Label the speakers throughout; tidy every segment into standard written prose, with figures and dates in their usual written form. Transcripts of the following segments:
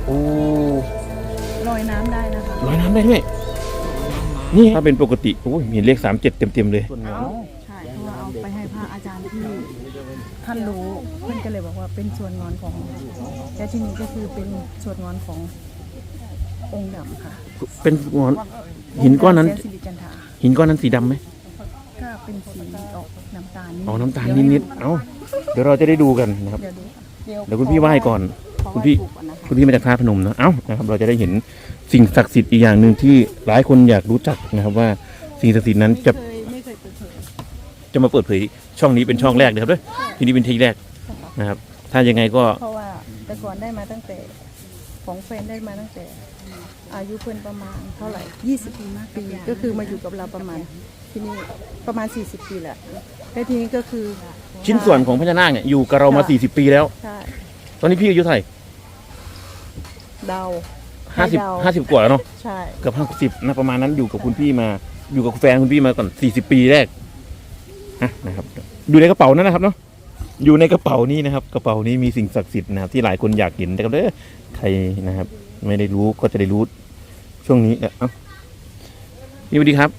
Speaker 1: โอ้
Speaker 2: ลอยน้ำได้นะคะ
Speaker 1: ลอยน้ำได้ด้วยนี่ถ้าเป็นปกติโอ้ยเห็นเลข37เต็มเลย
Speaker 2: ใช่เพราะว่าเอาไปให้พระอาจารย์ที่ท่านรู้เพื่อนก็เลยบอกว่าเป็นส่วนงอนของและที่นี้ก็คือเป็นส่วนงอนขององค์ดำค่ะ
Speaker 1: เป็นงอนหินก้อนนั้น
Speaker 2: แสสิริจันทรา
Speaker 1: หินก้อนนั้นสีดำไหม
Speaker 2: ก็เป็นสีออกน้ำตาล
Speaker 1: อ๋อน้ำตาลนิดๆเอ้าเดี๋ยวเราจะได้ดูกันนะครับ
Speaker 2: เดี๋ยวดู
Speaker 1: เดี๋ยวคุณพี่ไหว้ก่อน
Speaker 2: ขอ
Speaker 1: คุณ
Speaker 2: ไหว้
Speaker 1: พี่
Speaker 2: ปู่ก่อนนะคะ
Speaker 1: คุณพี่มาจากท่าพนมนะเอ้านะครับเราจะได้เห็นสิ่งศักดิ์สิทธิ์อีกอย่างหนึ่งที่หลายคนอยากรู้จักนะครับว่าสิ่งศักดิ์สิทธิ์นั้น
Speaker 2: ไม่เคยเปิดเผย
Speaker 1: จะมาเปิดเผยช่องนี้เป็นช่องแรกนะครับด้วยทีนี้เป็นทีแรกนะครับ ถ้ายังไงก็
Speaker 2: เพราะว่าแต่ก่อนได้มาตั้งแต่ของแฟนได้มาตั้งแต่อายุเพื่อนประมาณเท่าไหร่20 ปีก็คือมาอยู่กับเราประมาณที่นี่ประมาณ40 ปีแหละแล้วทีนี้ก็คือ
Speaker 1: ชิ้นส่วนของพญานาคเนี่ยอยู่กับเรามา40 ปีแล้ว
Speaker 2: ใช่
Speaker 1: ตอนนี้พี่อายุเท่าไหร่
Speaker 2: เดา
Speaker 1: 50 กว่าแล้วเนาะ
Speaker 2: ใช่
Speaker 1: เกือบ50นะประมาณนั้นอยู่กับคุณพี่มาอยู่กับแฟนคุณพี่มาก่อน40 ปีแรกนะครับอยู่ในกระเป๋านั่นนะครับเนาะอยู่ในกระเป๋านี้นะครับ กระเป๋านี้มีสิ่งศักดิ์สิทธิ์นะครับที่หลายคนอยากเห็นนะครับเด้อใครนะครับ ไม่ได้รู้ก็จะได้รู้ช่วงนี้พี่สวัสดีครับ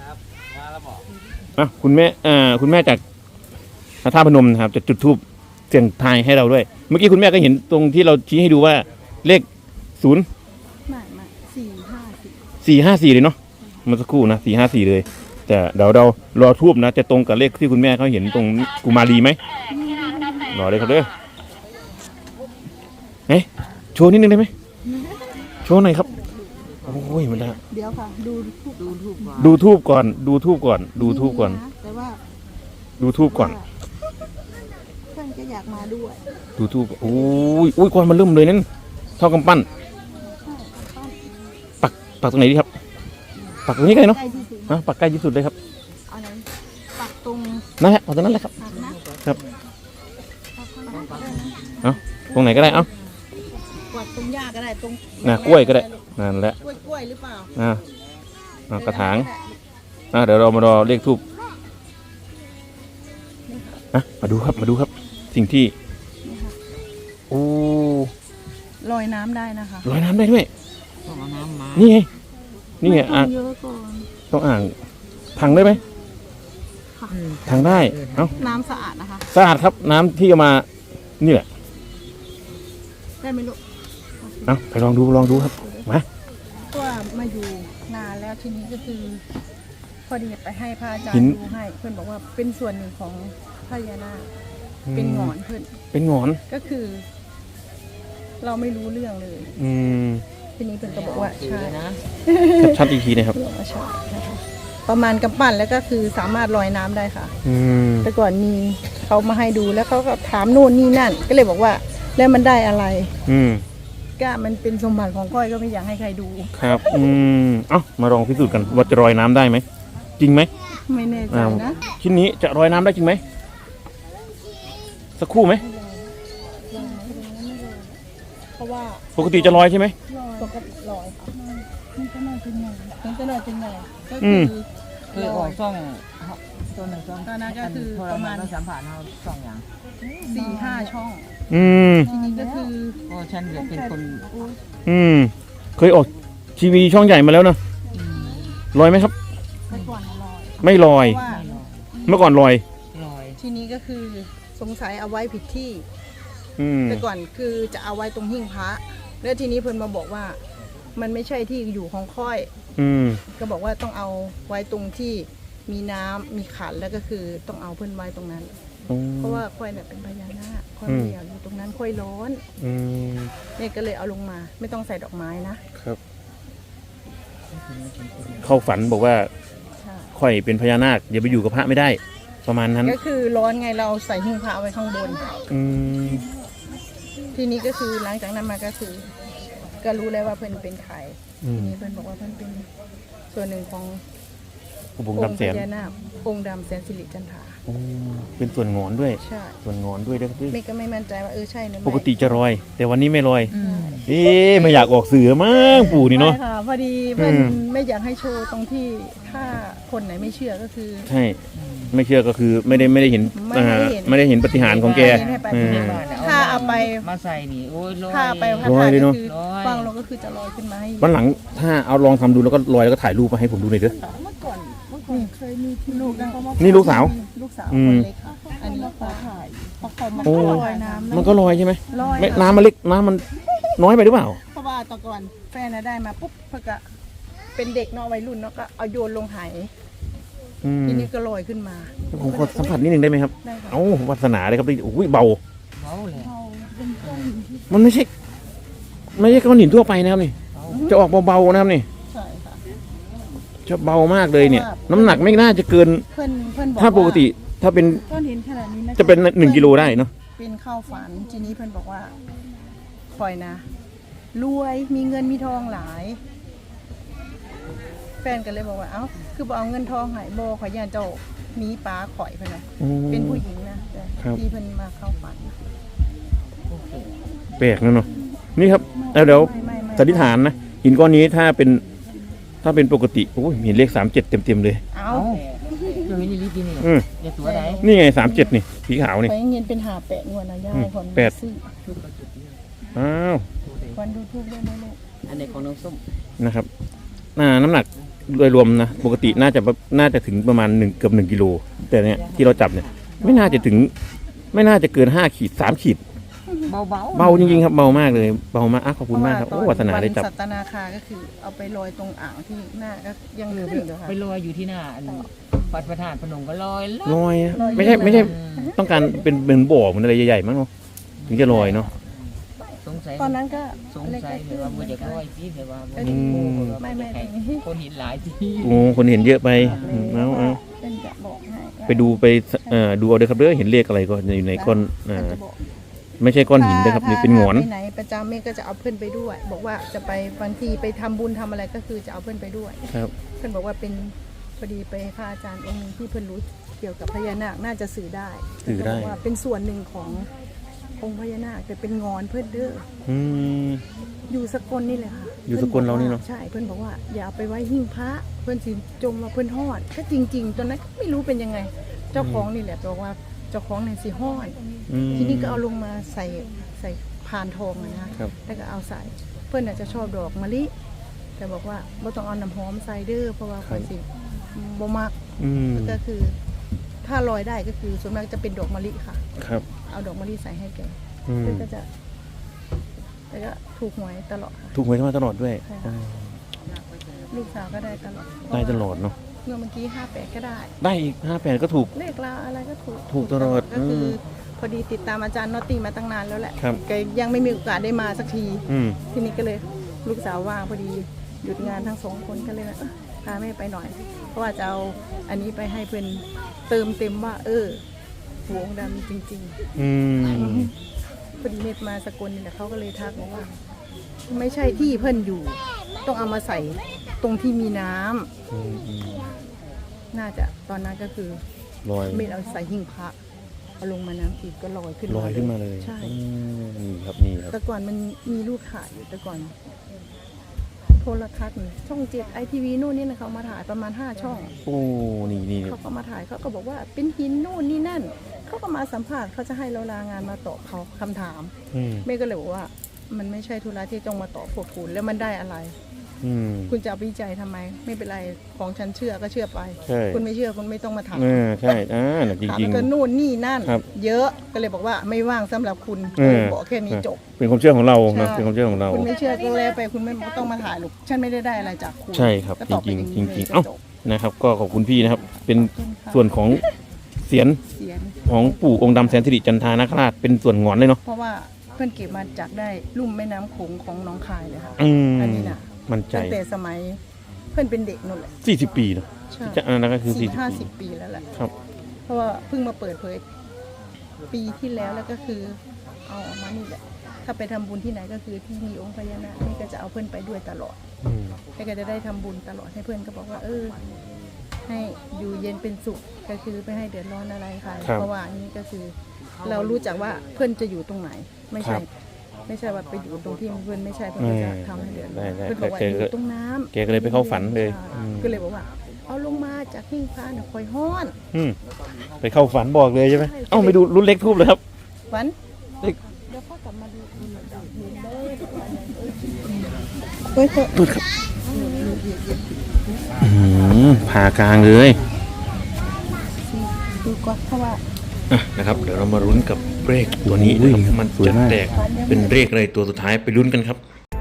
Speaker 1: คุณแม่คุณแม่จากท่าพนมนะครับจะจุดธูปเสียงทายให้เราด้วย เมื่อกี้คุณแม่ก็เห็นตรงที่เราชี้ให้ดูว่าเลข0
Speaker 2: ไม่454
Speaker 1: เลยเนาะเมื่อสักครู่นะ454เลยแต่เดี๋ยวเรารอทูบนะจะตรงกับเลขที่คุณแม่เขาเห็นตรงกุมารีไหมรอเลยครับเด้อโชว์นิดนึงได้ไหมโชว์หน่อยครับโอ้ยมันละ
Speaker 2: เดี๋ยวค่ะดู
Speaker 1: ทูบก่อนดูทูบก่อน
Speaker 2: แต่ว่า
Speaker 1: ดูทูบก่อน
Speaker 2: เพื่อนก็อยากมาด้วย
Speaker 3: ดู
Speaker 1: ทูบโอ้ยก้อนมันเริ่มเลยนั่นเท่ากำปั้นปักตรงไหนดีครับปักตรงนี้ก็ได้เนาะ
Speaker 2: ใกล้ที่สุด
Speaker 1: ปักใกล้ที่สุดเลยครับ
Speaker 2: เอาไหนปักตรง
Speaker 1: นั่นแหละเอาตรงนั้นเลยครับ
Speaker 2: ปักนะครับ
Speaker 1: ตรงไหนก็ได้
Speaker 2: ปักตรงหญ้าก็ได้ตรง
Speaker 1: กล้วยก็ได้นั่นแหละ
Speaker 2: กล้วยหรือเปล่าก
Speaker 1: ระถางเดี๋ยวเรามารอเลขทูบมาดูครับสิ่งที่โอ้
Speaker 2: ลอยน้ำได้นะคะ
Speaker 1: ลอยน้ำได้ด้วย
Speaker 4: ต้องเอาน้ำมา
Speaker 1: นี่ไง
Speaker 2: ต้
Speaker 1: อ่ะ
Speaker 2: องเยอะก่อน
Speaker 1: ต้องอ่างถังได้ไหมถังได้
Speaker 2: น้ำสะอาดนะคะ
Speaker 1: สะอาดครับน้ำที่เอามานี่แหละ
Speaker 2: ได้ไหมลูก
Speaker 1: ไปลองดูครับมา
Speaker 2: เพราะว่ามาอยู่นานแล้วทีนี้ก็คือ พอดีไปให้พระอาจารย์ดูให้เพื่อนบอกว่าเป็นส่วนหนึ่งของพญานาคเป็นหงอนเพื่อน
Speaker 1: เป็นหงอน
Speaker 2: ก็คือ เราไม่รู้เรื่องเลย ทีนี้เพื่อนก็บอกว่าใช่นะ
Speaker 1: ชัดอีกทีนะครับ
Speaker 2: ใช่นะคะประมาณกำปั้นแล้วก็คือสามารถลอยน้ำได้ค่ะแต่ก่อนมีเขามาให้ดูแล้วเขาก็ถามโน่นนี่นั่น ก็เลยบอกว่าแล้วมันได้อะไรก็มันเป็นสมบัติของก้อยก็ไม่อยากให้ใครดู
Speaker 1: ครับมาลองพิสูจน์กันว่าจะลอยน้ำได้ไหมจริงไหม
Speaker 2: ไม่แน่ใจนะ
Speaker 1: ชิ้นนี้จะลอยน้ำได้จริงไหมสักครู่ไหม
Speaker 2: เพราะว่า
Speaker 1: ปกติจะลอยใช่ไหม
Speaker 2: ปกติลอยค่ะมันก็น่าจะใหญ่ก็คือ
Speaker 4: ออกช่องตัวหนึ่งช่อง
Speaker 2: ตอนนั้นก็คือประมาณ
Speaker 4: ต้องสัมผัสเราช่องอย่าง
Speaker 2: 4-5 ช่อง ทีนี้ก็คือ
Speaker 4: ก็ฉันเดี๋ยวเป็นคน
Speaker 1: เคยออกทีวีช่องใหญ่มาแล้วนะลอยไหมครับ
Speaker 2: แต่ก่อนลอย
Speaker 1: ไม่ลอย
Speaker 2: เพราะว่า
Speaker 1: เมื่อก่อนลอย
Speaker 4: ลอย
Speaker 2: ทีนี้ก็คือสงสัยเอาไว้ผิดที่ แต่ก่อนคือจะเอาไว้ตรงหิ้งพระแล้วทีนี้เพิ่นมาบอกว่า มันไม่ใช่ที่อยู่ของค่อยก็บอกว่าต้องเอาไว้ตรงที่มีน้ำมีขันแล้วก็คือต้องเอาเพิ่นไว้ตรงนั้นเพราะว่าค่อยเนี่ยเป็นพญานาคค่อยไม่อยากอยู่ตรงนั้นค่อยร้อนเนี่ยก็เลยเอาลงมาไม่ต้องใส่ดอกไม้นะครับ
Speaker 1: เข้าฝันบอกว่าค่อยเป็นพญานาคอย่าไปอยู่กับพระไม่ได้ ประมาณนั้น
Speaker 2: ก็คือร้อนไงเราใส่หิ้งพระไว้ข้างบนทีนี้ก็คือหลังจากนั้นมาก็คือ ก็รู้แล้วว่าเพิ่นเป็นใครทีนี้เพิ่นบอกว่าเพิ่นเป็นส่วนหนึ่งของ
Speaker 1: องค์ดำแสน
Speaker 2: พญานาคองค์ดำแสนสิริจันทรา
Speaker 1: เป็นส่วนงอนด้วย
Speaker 2: ใช่
Speaker 1: ส่วนงอนด้วยนะครับ
Speaker 2: ไม่ก็ไม่มั่นใจว่าใช่หรือไม่
Speaker 1: ปกติจะลอย แต่วันนี้ไม่ลอยไม่อยากออกสื่อมั้งปู่นี่เนาะ
Speaker 2: ไม่ค่ะพอดีเพื่อนไม่อยากให้โชว์ตรงที่ถ้าคนไหนไม่เชื่อก็คือ
Speaker 1: ใช่ไม่เชื่อก็คือไม่ได้เห็นไม่ได้เห็นปาฏิหาริย์ของแก
Speaker 2: ถ้าถ้าเอาไป
Speaker 4: มาใส่นี่โอ้ยลอย
Speaker 2: ถ้าไปพระ
Speaker 1: ลอ
Speaker 2: ธาย ตุ
Speaker 1: เลย
Speaker 2: ก็
Speaker 1: เนอะ
Speaker 2: คือ
Speaker 4: ลอย
Speaker 2: ฟังลงก็คือจะลอยขึ้นมาให้
Speaker 1: วันหลังถ้าเอาลองทำดูแล้วก็ลอยแล้วก็ถ่ายรูปมาให้ผมดูหน่อยเด้อ
Speaker 2: เมื่อก่อนเคยมีที่ลูกนะ
Speaker 1: นี่ลูกสาว
Speaker 2: ลูกสาว
Speaker 1: อื
Speaker 2: ค
Speaker 1: ม
Speaker 2: นเล็กค่ะอันนี้ขอถ่ายเพราะเขามัน
Speaker 1: โอ้
Speaker 2: ก็ลอยน้ำ
Speaker 1: มันก็ลอยใช่ไหม
Speaker 2: ลอย
Speaker 1: ไม่น้ำมันเล็กน้ำมันน้อยไปหรือเปล่า
Speaker 2: เพราะว่าตอนก่อนแฟนน่ะได้มาปุ๊บเพื่อก็เป็นเด็กเนาะวัยรุ่นเนาะก็เอาโยนลงไห
Speaker 1: อืม
Speaker 2: ทีนี้ก็ลอยขึ้นมา
Speaker 1: ผมขอสัมผัสนิดนึงได้ไหมครับ
Speaker 2: ได้ค่ะ
Speaker 1: เอ้าวาสนาเลยครับโอ้ยเบา
Speaker 4: เบาเลย
Speaker 1: มันไม่ใช่ก้อนหินทั่วไปนะครับนี่ จะออกเบาๆนะครับนี่
Speaker 2: ใช่ค่ะ
Speaker 1: จะเบามากเลยเนี่ย
Speaker 2: เพราะว่า
Speaker 1: น้ำหนักไม่น่าจะเกิน
Speaker 2: เพื่อนบอก
Speaker 1: ถ้าปกติถ้าเป็น
Speaker 2: ก้อนหินขนาดนี้นะ
Speaker 1: จะเป็น1 กิโลได้เนาะ
Speaker 2: เป็นเข้าฝันทีนี้เพื่อนบอกว่าคอยนะรวยมีเงินมีทองหลาย แฟนก็เลยบอกว่าเอ้าคือบอกเอาเงินทองใหายโบขอยย่านเจ้าหนีป้าข่อยเพื่อนนะ
Speaker 1: อืม
Speaker 2: เป็นผู้หญิงนะแต่
Speaker 1: ครับ
Speaker 2: ที่เพื่อนมาเข้าฝัน
Speaker 4: โอเค
Speaker 1: แปลกนะเนาะนี่ครับแล้วเดี๋ยว
Speaker 2: ไม่
Speaker 1: สันนิษฐานนะหินก้อนนี้ถ้าเป็นปกติโอ้ยเห็นเลข37เต็มๆเลย
Speaker 2: เอา
Speaker 4: เอ้าเรื่องนี้รีบกินนี่
Speaker 1: อืม
Speaker 4: อย่าตัวใด
Speaker 1: นี่ไง37นี่สีขาวนี่
Speaker 2: ไปเงินเป็นหาแปะงวดนะย่า
Speaker 1: อืม
Speaker 2: คน
Speaker 1: แปด
Speaker 2: ซื้อ
Speaker 1: อ้าว
Speaker 2: วันดูทูบด้วยนะลูก
Speaker 4: อันไหนของน้องส้ม
Speaker 1: นะครับน้ำหนักโดยรวมนะปกติน่าจะถึงประมาณเกือบ1 กิโลแต่เนี่ยที่เราจับเนี่ยไม่น่าจะเกิน5 ขีด3 ขีด
Speaker 4: เบา
Speaker 1: เบาจริงๆครับเบามากเลยเบามากขอบคุณมากครับโอ้วาสนาได้จับ
Speaker 2: สัตนาคาก็คือเอาไปลอยตรงอ่างที่หน้าก็ยังขึ้นอยู่ค่ะ
Speaker 4: ไปลอยอยู่ที่หน้าอันวัดพระธาตุพนมก็ลอยลอย
Speaker 1: ลอยอะ
Speaker 2: ลอย
Speaker 1: ไม่ใช่ต้องการเป็นเหมือนบ่อเหมือนอะไรใหญ่ๆมั้งเนาะถึงจะลอยเนาะ
Speaker 4: สงสัย
Speaker 2: ตอนนั้นก็
Speaker 4: สงสัยหรือว่ามันจะลอยที่หรือว่า
Speaker 2: ไม่
Speaker 4: คนหินหลายที่
Speaker 1: โอ้คนเห็นเยอะไปเอา
Speaker 2: เป็นจะบอกให้
Speaker 1: ไปดูดูเอาเด้อครับเด้อเห็นเลขอะไรก็อยู่ในก้อน
Speaker 2: เป็นจะบอก
Speaker 1: ไม่ใช่ก้อนหินนะครับนี่เป็นหงอน
Speaker 2: ไปไหนประจำเมฆก็จะเอาเพื่อนไปด้วย บอกว่าจะไปบางทีไปทำบุญทำอะไรก็คือจะเอาเพื่อนไปด้วย
Speaker 1: ครับ
Speaker 2: เพื่อนบอกว่าเป็นพอดีไปพระอาจารย์องค์หนึงที่เพื่อนรู้เกี่ยวกับพญานาคน่าจะสื่อได้
Speaker 1: สื่อได้
Speaker 2: เพื่นบอกว่าเป็นส่วนหนึ่งขององค์พญานาคแต่เป็นงอนเพื่อนเด้อ
Speaker 1: อืม
Speaker 2: อยู่สกลนี่เลยค่ะ
Speaker 1: อยู่สกลเรานี่เนอะ
Speaker 2: ใช่เพื่อนบอกว่าอย่าเอาไปไว้หิ้งพระเพื่อนสิจมมาเพื่อนหอดก็จริง ๆ ตอนนั้นก็ไม่รู้เป็นยังไง เจ้าของนี่แหละบอกว่าเจ้าของเนี่ยสิหอด
Speaker 1: อืม
Speaker 2: ทีนี้ก็เอาลงมาใส่พานทองอะนะคะ
Speaker 1: ครับ
Speaker 2: แล้วก็เอาใส่เพื่อนอาจจะชอบดอกมะลิแต่บอกว่าไม่ต้องเอาน้ำหอมใส่เด้อเพราะว่าคนสิบ่มัก
Speaker 1: อืม
Speaker 2: ก็คือ ถ้าลอยได้ก็คือส่วนมากจะเป็นดอกมะลิค่ะ
Speaker 1: ครับ
Speaker 2: เอาดอกมะลิใส่ให้แก
Speaker 1: อืม
Speaker 2: เพื่อนก็จะแต่ก็ถูกหวยตลอดค่ะ
Speaker 1: ถูกหวยมาตลอดด้วย
Speaker 2: ใช่ค่ะ ลูกสาวก็ได้ตลอด
Speaker 1: ได้ตลอดเนาะ
Speaker 2: เมื่อกี้58ก็ได้
Speaker 1: ได้อีก58ก็ถูก
Speaker 2: เลขลาวอะไรก็ถูก
Speaker 1: ถูกตลอด
Speaker 2: ก็คืออ
Speaker 1: ม
Speaker 2: พอดีติดตามอาจารย์นอตตี้มาตั้งนานแล้วแหละ
Speaker 1: ครับ
Speaker 2: แกยังไม่มีโอกาสได้มาสักที
Speaker 1: อืม
Speaker 2: ทีนี้ก็เลยลูกสาวว่างพอดีหยุดงานทั้งสองคนก็เลยนะพาแม่ไปหน่อย เพราะว่าจะเอาอันนี้ไปให้เพื่อนเติมเต็มว่า หัวองค์ดำจริง
Speaker 1: อืม
Speaker 2: ๆพอดีเน็ตมาสกลนี่แหละเขาก็เลยทักบอกว่า ไม่ใช่ที่เพื่อนอยู่ ต้องเอามาใส่ตรงที่มีน้ำ
Speaker 1: อืมอืม
Speaker 2: น่าจะตอนนั้นก็คือ
Speaker 1: ลอย
Speaker 2: เม็ดเอาใส่หิ้งพระเอาลงมาน้ำทีก็ลอยขึ้น
Speaker 1: ลอยขึ้นมาเลย
Speaker 2: ใช่
Speaker 1: อืมนี่ครับนี่ครับ
Speaker 2: แต่ก่อนมันมีรูปถ่ายอยู่แต่ก่อน โทรทัศน์นี่ช่อง7 ITV นู่นนี่นะเขามาถ่ายประมาณ5ช่อง
Speaker 1: โอ้นี่
Speaker 2: เขาก็มาถ่ายเขาก็บอกว่าเป็นหินนู่นนี่นั่นเขาก็มาสัมภาษณ์เขาจะให้เราลางานมาตอบเขาคำถาม
Speaker 1: อืม
Speaker 2: แม่ก็เลยบอกว่า มันไม่ใช่ธุระที่ต้องมาตอบพวกคุณแล้วมันได้อะไร
Speaker 1: อืม
Speaker 2: คุณจะเอาวิจัยทำไม ไม่เป็นไรของฉันเชื่อก็เชื่อไป
Speaker 1: ใช่
Speaker 2: คุณไม่เชื่อคุณไม่ต้องมาถาม
Speaker 1: ใช่น่ะจ
Speaker 2: ถาม
Speaker 1: ริง
Speaker 2: ก็นู่นนี่นั่น
Speaker 1: ครับ
Speaker 2: เยอะก็เลยบอกว่าไม่ว่างสำหรับคุณ บอกแค่นี้จบ
Speaker 1: ๆเป็นความเชื่อของเรานะ
Speaker 2: ใช่
Speaker 1: เป็นความเชื่อของเรา
Speaker 2: คุณไม่เชื่อก็แล้วไปคุณไม่ต้องมาถ่ายหรอกฉันไม่ได้อะไรจากคุณ
Speaker 1: ใช่ครับ
Speaker 2: ก็ตอบไป
Speaker 1: จริงๆ
Speaker 2: อย่า
Speaker 1: จริงๆ
Speaker 2: ลย
Speaker 1: เอ้า
Speaker 2: จบ
Speaker 1: นะครับ ก็ขอบคุณพี่นะครับ เป็น
Speaker 2: ขอบคุณค่ะ
Speaker 1: ส่วนของเสียน
Speaker 2: เสียง
Speaker 1: ของปู่องค์ดำแสนสิริจันทานาคราชเป็นส่วนหงอนเลยเนาะ
Speaker 2: เพราะว่าเพื่อนเก็บมาจากได้ลุ่มแม่น้ำโขงของหน้องคายเลยค่ะ
Speaker 1: อืม
Speaker 2: อันนี้น่ะ
Speaker 1: มั่นใจ
Speaker 2: ตั้งแต่สมัยเพื่อนเป็นเด็กนู่นแหละ
Speaker 1: 40 ปีเนาะ
Speaker 2: ใช่
Speaker 1: จะอันนั้นก็คือ
Speaker 2: สี่
Speaker 1: 40
Speaker 2: ห้า
Speaker 1: ปี
Speaker 2: สิบปีแล้วแหละ
Speaker 1: ครับ
Speaker 2: เพราะว่าเพิ่งมาเปิดเผยปีที่แล้วแล้วก็คือเอาออกมานี่แหละ ถ้าไปทำบุญที่ไหนก็คือที่มีองค์พญานาคนี่ก็จะเอาเพื่อนไปด้วยตลอด
Speaker 1: อืม
Speaker 2: แล้วก็จะได้ทำบุญตลอดให้เพื่อนก็บอกว่า ให้อยู่เย็นเป็นสุขก็คือไม่ให้เดือดร้อนอะไรค่ะเพราะว่าอันนี้ก็คือ เรารู้จักว่าเพื่อนจะอยู่ตรงไหน ไม่ใช่ ไม่ใช่ว่าไปอยู่ตรงที่เพื่อนไม่ใช่เพื่อนก็จะทำให้เดือดร้อนเพื่อนบอกว่าอยู่ตรงน้ำ
Speaker 1: แกก็เลยไปเข้าฝันเลย
Speaker 2: ใช่
Speaker 1: อืม
Speaker 2: ก็เลยบอกว่า เอาลงมาจากหิ้งพระน่ะคอยห้อน
Speaker 1: อืมไปเข้าฝันบอกเลยใช่ไหมเอ้าไปดูรุ่นเล็กทูบเลยครับ
Speaker 2: ฝัน
Speaker 1: เลข
Speaker 2: เฮ้ยเถอะ
Speaker 1: พูดครับผ่ากลางเลย
Speaker 2: ดูก่อนเพราะว่า
Speaker 1: อ่ะนะครับเดี๋ยวเรามาลุ้นกับเลขตัวนี้นะครับมันจะแตกเป็นเลขอะไรตัวสุดท้ายไปลุ้นกันครับ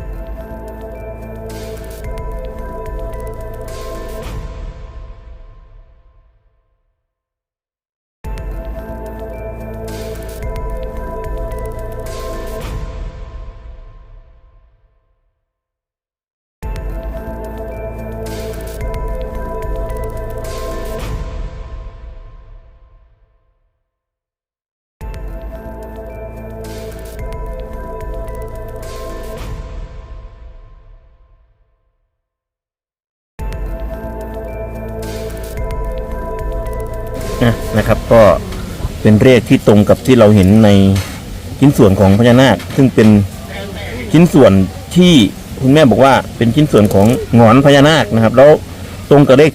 Speaker 1: นะครับก็เป็นเลขที่ตรงกับที่เราเห็นในชิ้นส่วนของพญานาคซึ่งเป็นชิ้นส่วนที่คุณแม่บอกว่าเป็นชิ้นส่วนของหงอนพญานาคนะครับแล้วตรงกับเลข